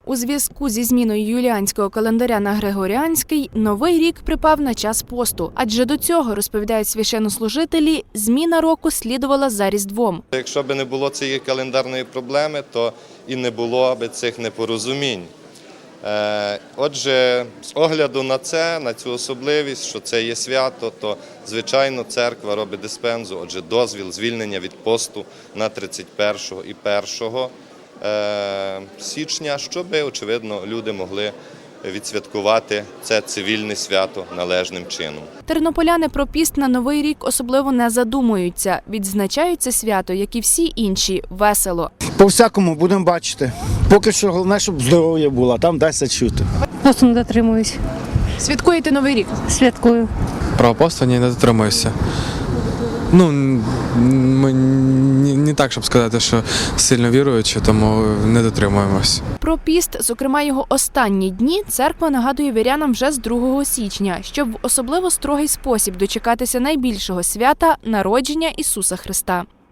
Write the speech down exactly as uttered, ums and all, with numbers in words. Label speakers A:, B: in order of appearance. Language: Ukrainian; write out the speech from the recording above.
A: У зв'язку зі зміною юліанського календаря на григоріанський, новий рік припав на час посту. Адже до цього, розповідають священнослужителі, зміна року слідувала за Різдвом.
B: Якщо б не було цієї календарної проблеми, то і не було б цих непорозумінь. Отже, з огляду на це, на цю особливість, що це є свято, то, звичайно, церква робить диспензу, отже, дозвіл, звільнення від посту на тридцять першого і першого січня, щоб, очевидно, люди могли відсвяткувати це цивільне свято належним чином.
A: Тернополяни про піст на Новий рік особливо не задумуються. Відзначають це свято, як і всі інші, весело.
C: По-всякому будемо бачити. Поки що головне, щоб здоров'я було, а там дасться чути.
D: Посту не дотримуюсь.
A: Святкуєте Новий рік?
D: Святкую.
E: Про посту не дотримуюся. Ну, ми не так, щоб сказати, що сильно віруючі, тому не дотримуємось.
A: Про піст, зокрема його останні дні, церква нагадує вірянам вже з другого січня, щоб в особливо строгий спосіб дочекатися найбільшого свята – народження Ісуса Христа.